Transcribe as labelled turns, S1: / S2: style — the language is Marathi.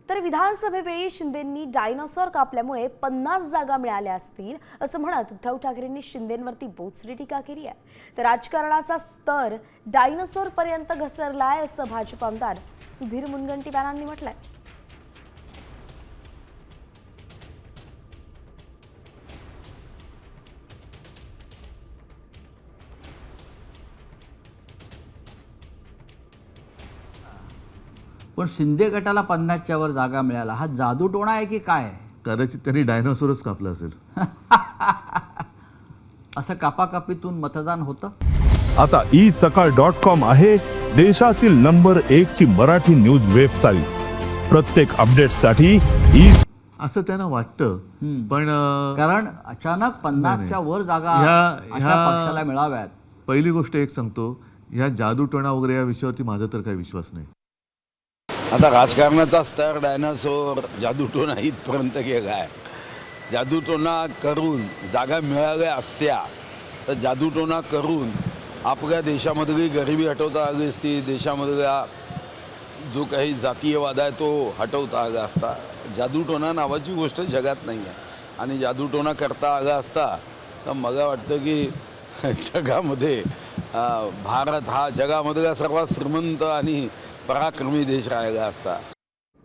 S1: तर विधानसभेवेळी शिंदेंनी डायनासोर कापल्यामुळे 50 जागा मिळाल्या असतील असं म्हणत उद्धव ठाकरेंनी शिंदेंवरती बोचरी टीका केली आहे। तर राजकारणाचा स्तर डायनासोर पर्यंत घसरलाय असं भाजप आमदार सुधीर मुनगंटीवारांनी म्हटलंय।
S2: पण शिंदे गटाला 50च्या वर जागा मिळाला, हा जादूटोणा आहे की काय?
S3: कदाचित त्यांनी डायनासोरच कापला असेल।
S2: असं कापाकापीतून मतदान होतं?
S4: आता isakal.com आहे देशातील नंबर 1 ची मराठी न्यूज वेबसाईट। प्रत्येक अपडेटसाठी
S3: असं त्यांना वाटतं, पण
S2: कारण अचानक 50च्या वर जागा अशा पक्षाला मिळाव्यात।
S3: पहिली गोष्ट एक सांगतो, ह्या जादूटोणा वगैरे या विषयावरती माझा तर काही विश्वास नाही।
S5: आता राजकारणाचा स्तर डायनासोर जादूटोणा इथपर्यंत गेला आहे। जादूटोणा करून जागा मिळाल्या असत्या तर जादूटोणा करून आपल्या देशामधली गरिबी हटवता आली असती, देशामधला जो काही जातीयवाद आहे तो हटवता आला असता। जादूटोणा नावाची गोष्ट जगात नाही आहे आणि जादूटोणा करता आला असता तर मला वाटतं की जगामध्ये भारत हा जगामधला सर्वात श्रीमंत आणि पराक्रमी देश राहिला असता।